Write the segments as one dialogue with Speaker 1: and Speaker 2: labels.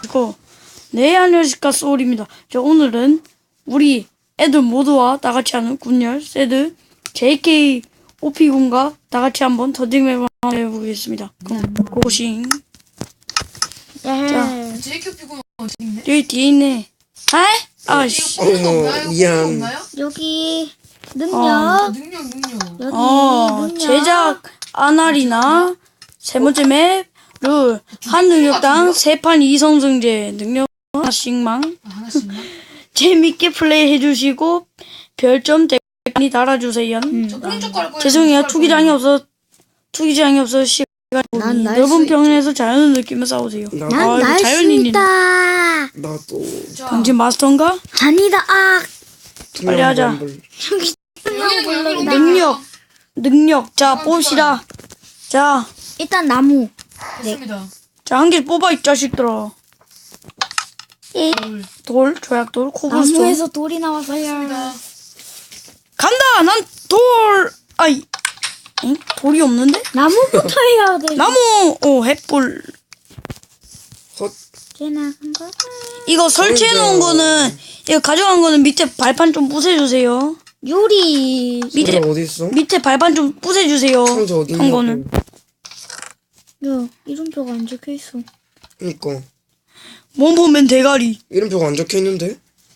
Speaker 1: 네, 안녕하십니까, 소울입니다. 자, 오늘은 우리 애들 모두와 다같이 하는 군열, 세드, JK, OP군과 다같이 한번 더딩맵을 한번 해보겠습니다. 그럼, 고고싱. 자,
Speaker 2: JK OP군 어디 있네?
Speaker 1: 여기 뒤에 있네. 아이씨.
Speaker 3: 미안.
Speaker 4: 여기
Speaker 2: 아,
Speaker 4: 능력
Speaker 2: 능력.
Speaker 4: 여기 능력
Speaker 1: 제작 아날이나 세 번째 맵, 룰, 한 능력당 세 판 2성승제, 능력 하나씩만.
Speaker 2: 하나씩만.
Speaker 1: 재밌게 플레이 해주시고 별점 댓글 달아주세요.
Speaker 2: 저 오른쪽 갈 거예요.
Speaker 1: 죄송해요. 투기장이 없어 시간이
Speaker 4: 난 날
Speaker 1: 넓은
Speaker 4: 수
Speaker 1: 평에서 자연을 느끼며 싸우세요.
Speaker 4: 난 날 수
Speaker 1: 자연인이네.
Speaker 4: 있다.
Speaker 3: 나도.
Speaker 2: 자,
Speaker 1: 당신 마스터인가?
Speaker 4: 아니다. 아
Speaker 1: 빨리 하자.
Speaker 4: 여기
Speaker 2: 여기는
Speaker 1: 능력. 자, 뽑시다. 자,
Speaker 4: 일단 나무.
Speaker 2: 됐습니다.
Speaker 1: 자, 한 개 뽑아, 이 자식들아. 돌, 조약돌, 코블스톤.
Speaker 4: 나무에서 돌이 나왔어요.
Speaker 1: 간다! 난 돌! 아이. 응? 돌이 없는데?
Speaker 4: 나무부터 해야 돼.
Speaker 1: 나무! 햇불.
Speaker 4: 지나간 거.
Speaker 1: 이거 설치해놓은 거는, 이거 가져간 거는 밑에 발판 좀 부숴주세요.
Speaker 4: 요리.
Speaker 1: 밑에,
Speaker 3: 어디 있어?
Speaker 1: 밑에 발판 좀 부숴주세요.
Speaker 3: 상자 어디
Speaker 1: 한
Speaker 3: 있냐고.
Speaker 1: 거는.
Speaker 4: 야 이름표가 안 적혀 있어.
Speaker 3: 그니까
Speaker 1: 몸 보면 대가리.
Speaker 3: 이름표가 안 적혀 있는데.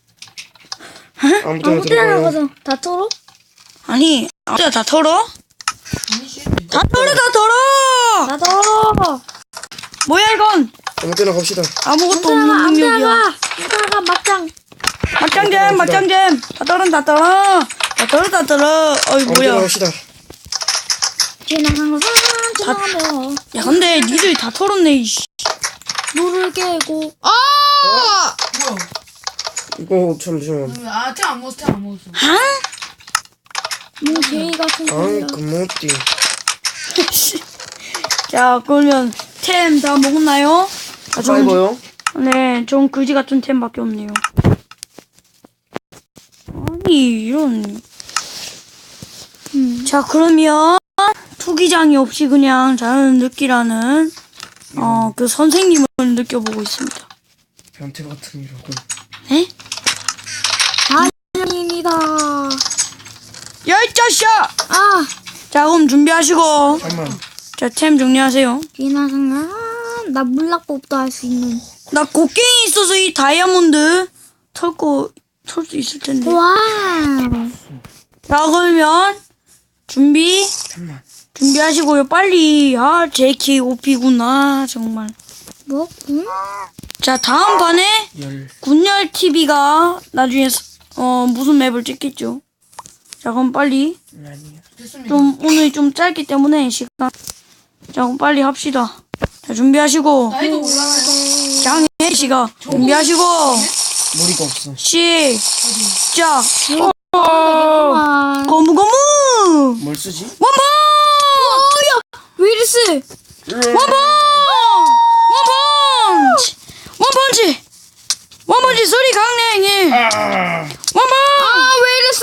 Speaker 3: 아무 데나
Speaker 4: 아무 때나
Speaker 3: 들어가요.
Speaker 4: 가서 다 털어?
Speaker 1: 아니, 아무데나 다 털어?
Speaker 2: 아니지.
Speaker 1: 다 털어!
Speaker 4: 다 털어.
Speaker 1: 뭐야, 이건?
Speaker 3: 아무 데나 갑시다.
Speaker 1: 아무것도
Speaker 4: 아무
Speaker 1: 없는 능력이야.
Speaker 4: 데나 가 막장.
Speaker 1: 맞짱잼. 다 털어. 어이,
Speaker 3: 아무 데나
Speaker 1: 뭐야.
Speaker 3: 갑시다.
Speaker 4: 지나간 거 지나가면
Speaker 1: 야, 근데 니들이 다 털었네, 이씨.
Speaker 4: 물을 깨고.
Speaker 2: 뭐야?
Speaker 3: 이거 잠시만.
Speaker 2: 템 안 먹었어, 템 안 먹었어.
Speaker 4: 뭐 개이 같은
Speaker 3: 아,
Speaker 4: 소리야.
Speaker 3: 그모띠.
Speaker 1: 자, 그러면 템 다 먹었나요? 아,
Speaker 3: 사이버요?
Speaker 1: 네, 전 그지 같은 템밖에 없네요. 아니, 이런. 자, 그러면 투기장이 없이 그냥 자연을 느끼라는 그 선생님을 느껴보고 있습니다.
Speaker 3: 변태 같은 이러고.
Speaker 1: 네?
Speaker 4: 아닙니다.
Speaker 1: 야, 이 자식아!
Speaker 4: 아
Speaker 1: 자, 그럼 준비하시고.
Speaker 3: 잠깐만.
Speaker 1: 자, 템 정리하세요.
Speaker 4: 지나간 나 물락법도 할 수 있는.
Speaker 1: 나 곡괭이 있어서 이 다이아몬드 털 수 있을 텐데.
Speaker 4: 와.
Speaker 1: 자, 그러면
Speaker 3: 잠깐만.
Speaker 1: 준비하시고요. 빨리. JK OP구나. 정말.
Speaker 4: 뭐? 응?
Speaker 1: 자, 다음 판에 군열 TV가 나중에 무슨 맵을 찍겠죠. 자, 그럼 빨리
Speaker 2: 됐습니다.
Speaker 1: 오늘 좀 짧기 때문에 시간. 자, 그럼 빨리 합시다. 자, 준비하시고
Speaker 2: 나이도 올라가요.
Speaker 1: 장혜 씨가 준비하시고
Speaker 3: 머리가 없어.
Speaker 1: 시작.
Speaker 4: 아,
Speaker 1: 고무고무
Speaker 3: 뭘 쓰지?
Speaker 1: 원펀
Speaker 4: 윌스.
Speaker 1: 원펀치 소리 강냉이 원펀
Speaker 4: 윌스.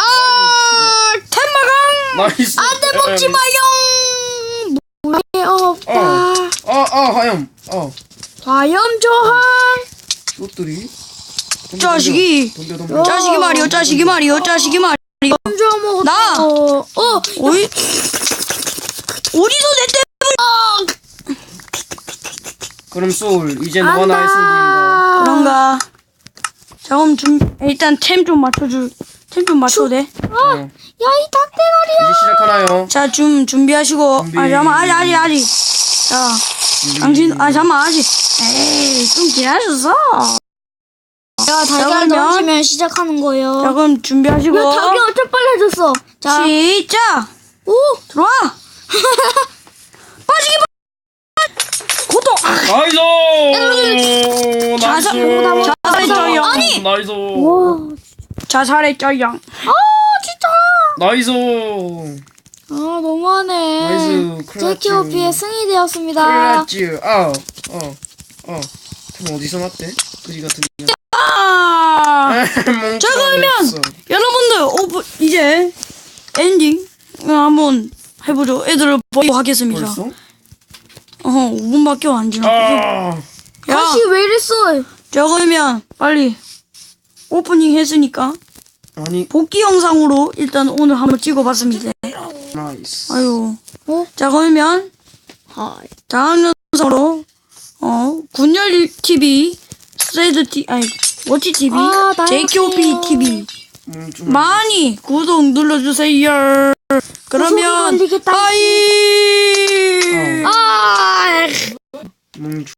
Speaker 1: 텐마강
Speaker 3: 나이스.
Speaker 4: 안돼 먹지 마요. 물에 없다.
Speaker 3: 하염.
Speaker 4: 과염 저항.
Speaker 3: 이것들이.
Speaker 1: 자식이
Speaker 3: 덤벼.
Speaker 1: 자식이 말이요
Speaker 4: 얹어 먹었다.
Speaker 1: 나! 어이? 어디서 내
Speaker 3: 그럼 소울 이제 너가 나의 승부인가?
Speaker 1: 그런가? 자, 그럼 일단 템 좀 맞춰도 돼?
Speaker 4: 야 이 닭대가리야.
Speaker 3: 이제 시작하나요?
Speaker 1: 자, 준비하시고.
Speaker 3: 준비.
Speaker 1: 잠깐만, 아직. 자, 당신, 잠깐만, 아직. 에이, 좀 기다려줘.
Speaker 4: 내가 달걀
Speaker 1: 그러면-
Speaker 4: 던지면 시작하는
Speaker 1: 자,
Speaker 4: 거예요.
Speaker 1: 그럼 준비하시고.
Speaker 4: 야 닭이 어쩜 빨라졌어. 자,
Speaker 1: 시작!
Speaker 4: 오.
Speaker 1: 들어와! 빠지기 고통!
Speaker 3: 나이스.
Speaker 1: 자살했죠요.
Speaker 3: 나이스.
Speaker 4: 와,
Speaker 1: 자살했죠요.
Speaker 4: 진짜.
Speaker 3: 나이스.
Speaker 4: 너무하네.
Speaker 3: 나이스.
Speaker 4: JKOP의 승이 되었습니다.
Speaker 3: 그렇지. 템 어디서 났대? 그지 같은.
Speaker 1: 자, 그러면 여러분들 이제 엔딩 한번 해보죠. 애들을 보고 하겠습니다.
Speaker 3: 벌써?
Speaker 1: 5분밖에 안 지났고. 야,
Speaker 4: 다시 왜 이랬어?
Speaker 1: 자 그러면 빨리 오프닝 했으니까
Speaker 3: 아니
Speaker 1: 복귀 영상으로 일단 오늘 한번 찍어봤습니다.
Speaker 3: 나이스.
Speaker 1: 아유.
Speaker 4: 어?
Speaker 1: 자 그러면
Speaker 4: 하이.
Speaker 1: 다음 영상으로 군열 TV, 세드 TV, 아니 워치 TV,
Speaker 4: 아, 나였어요.
Speaker 1: JKOP TV
Speaker 3: 좀
Speaker 1: 많이 구독 눌러주세요.
Speaker 4: 구독이
Speaker 1: 그러면
Speaker 4: 걸리겠다.
Speaker 1: 빠이.